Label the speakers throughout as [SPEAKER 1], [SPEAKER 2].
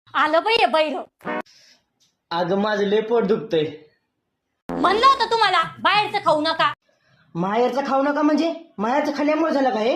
[SPEAKER 1] आलं बाई बैर.
[SPEAKER 2] अगं माझं लय पोट दुखतंय.
[SPEAKER 1] म्हणलं होतं तुम्हाला बाहेरचं खाऊ नका.
[SPEAKER 2] माहेरचं खाऊ नका म्हणजे माहेरचं खाल्ल्यामुळे झालं का हे?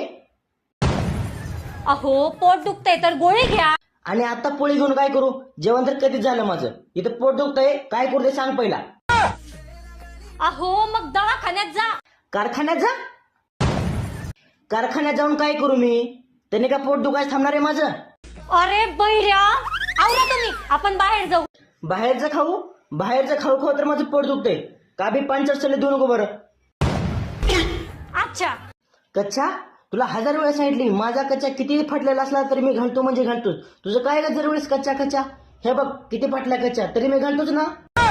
[SPEAKER 1] अहो पोट दुखतंय तर गोळी घ्या.
[SPEAKER 2] आणि आता पोळी घेऊन काय करू? जेवण तर कधीच झालं माझं. इथं पोट दुखतंय, काय करू ते सांग पहिला.
[SPEAKER 1] अहो मग दवाखान्यात जा.
[SPEAKER 2] कारखान्यात जा. कारखान्यात जाऊन काय करू मी? त्याने का पोट दुखायचं थांबणार आहे माझं?
[SPEAKER 1] अरे बैऱ्या, आवरा तुम्ही, आपण बाहेर जाऊ.
[SPEAKER 2] बाहेरचं खाऊ खाऊ तर माझं पोट दुखतंय. का बी 5 देऊ नको बरं.
[SPEAKER 1] अच्छा.
[SPEAKER 2] कच्चा तुला 1000 वेळा सांगितली, माझा कच्चा किती फाटलेला असला तरी मी घालतो म्हणजे घालतोच. तुझं काय का वेळेस कच्चा हे बघ किती फाटला कच्चा तरी मी घालतोच ना.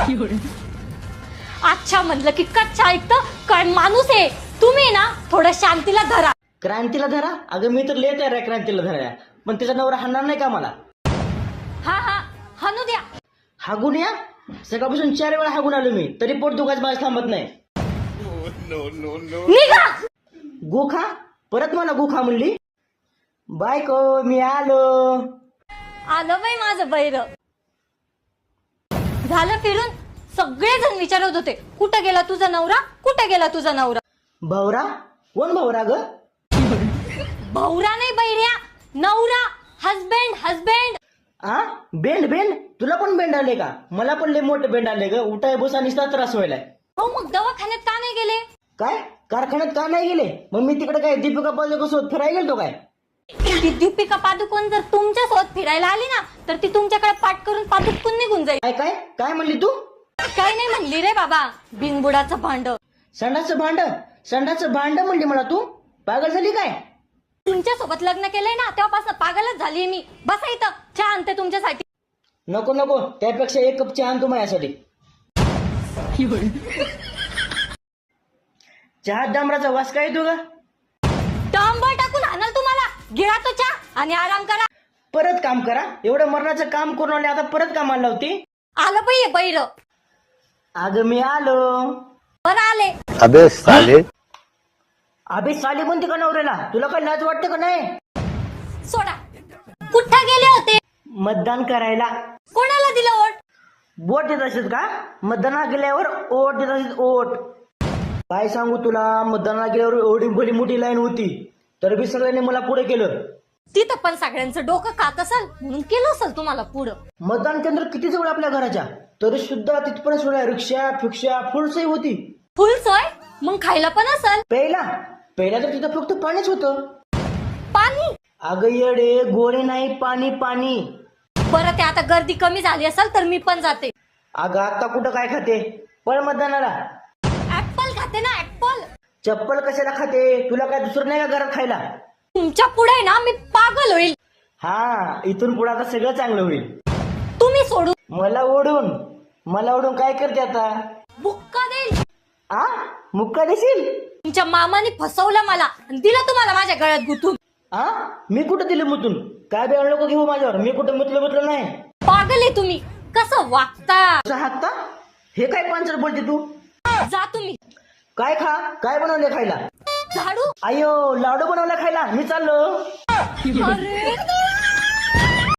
[SPEAKER 1] अच्छा म्हणलं की कच्चा ऐकतं काय माणूस आहे तुम्ही ना. थोडं शांतीला धरा.
[SPEAKER 2] क्रांतीला धरा? अगं मी तर लय तयार आहे क्रांतीला धरायला, पण तिचा नवरा हाणणार नाही का मला?
[SPEAKER 1] हा हानू द्या.
[SPEAKER 2] हागून या. सकाळपासून 4 वेळा हागून आलो मी, तरी पोट दुखायचं माझं थांबत नाही.
[SPEAKER 1] निघा.
[SPEAKER 2] गुखा परत मला गुखा म्हणली. बायको मी आलो.
[SPEAKER 1] आलं बाई माझं बैर. झालं फिरून. सगळेजण विचारत होते कुठं गेला तुझा नवरा, कुठं गेला तुझा नवरा.
[SPEAKER 2] भावरा? कोण भावरा ग?
[SPEAKER 1] भावरा नाही बैऱ्या, नवरा. हजबेंड.
[SPEAKER 2] आ बेंड तुला पण बेंड आले का? मला पण लय मोठे बेंड आले ग. उठाय बसा निसता त्रास व्हायलाय.
[SPEAKER 1] हो मग दवाखान्यात का नाही गेले?
[SPEAKER 2] काय कारखान्यात का नाही गेले? मग मी तिकडे काय दीपिका पादुकोण फिरायला गेलतो काय?
[SPEAKER 1] ती दीपिका पादुकोण जर तुमच्या सोबत फिरायला आली ना तर ती तुमच्याकडे पाठ करून पादुकून निघून जाईल.
[SPEAKER 2] काय म्हणली तू?
[SPEAKER 1] काय नाही म्हणली रे बाबा, बिनबुडाचं भांड.
[SPEAKER 2] संडाचं भांड म्हणली मला तू? पागल झाली काय?
[SPEAKER 1] तुमच्या सोबत लग्न केलंय ना तेव्हापासून पागलच झालीये मी. बसा इथं, चहा आणते तुमच्यासाठी.
[SPEAKER 2] नको त्यापेक्षा 1 कप चहा आण तू माझ्यासाठी. चहा डांबराचा वास काय येतो ग?
[SPEAKER 1] डांबर टाकून आणाल तुम्हाला. गिळा तो चहा आणि आराम करा.
[SPEAKER 2] परत काम करा. एवढं मरणाचं काम करून आले, आता परत कामाला लावते.
[SPEAKER 1] आलं बाई बैर.
[SPEAKER 2] अगं मी आलो.
[SPEAKER 1] बरं आले.
[SPEAKER 2] अबे साले म्हणते का नवऱ्याला? तुला काय लाज वाटते का नाही?
[SPEAKER 1] सोडा. कुठं गेले होते?
[SPEAKER 2] मतदान करायला.
[SPEAKER 1] कोणाला दिलं वोट?
[SPEAKER 2] वोट देत असत का? मतदानाला गेल्यावर ओट देत असत. ओट काय सांगू तुला, मतदानाला गेल्यावर एवढी भली मोठी लाईन होती तर बी सगळ्यांनी मला पुढे केलं.
[SPEAKER 1] तिथं पण सगळ्यांचं डोकं खात असेल म्हणून केलं असेल तुम्हाला पुढं.
[SPEAKER 2] मतदान केंद्र किती जवळ आपल्या घराच्या, तरी सुद्धा तिथपर्यंत सोडा रिक्षा फिक्षा फुल सोय होती.
[SPEAKER 1] फुल सोय? मग खायला पण असेल.
[SPEAKER 2] पहिला तर तिथं फक्त पाणीच होतं.
[SPEAKER 1] पाणी?
[SPEAKER 2] अगं येडे, गोरे नाही, पाणी.
[SPEAKER 1] बरं ते आता गर्दी कमी झाली असेल तर मी पण जाते.
[SPEAKER 2] अगं आता कुठं काय खाते? पळ मतदानाला.
[SPEAKER 1] ऍपल खाते ना, ऍपल.
[SPEAKER 2] चप्पल कशाला खाते? तुला काय दुसरं नाही का घरात खायला?
[SPEAKER 1] तुमच्या पुढे ना मी पागल होईल.
[SPEAKER 2] हा, इथून पुढे आता सगळं चांगलं होईल.
[SPEAKER 1] तुम्ही सोडून.
[SPEAKER 2] मला ओढून काय करते आता?
[SPEAKER 1] बुक्का देईल.
[SPEAKER 2] मुक्का देशील?
[SPEAKER 1] तुमच्या मामाने फसवलं मला आणि दिलं तुम्हाला माझ्या गळ्यात गुंतून.
[SPEAKER 2] मी कुठं दिलं मुतून? काय बी नको घेऊ माझ्यावर. मी कुठं मुतलं नाही.
[SPEAKER 1] पागल आहे तुम्ही. कसं वागता?
[SPEAKER 2] हाकता? हे काय पांचर बोलते तू?
[SPEAKER 1] जा तुम्ही.
[SPEAKER 2] काय बनवले खायला?
[SPEAKER 1] झाडू.
[SPEAKER 2] आयो लाडू बनवला खायला. मी चाललो.
[SPEAKER 1] अरे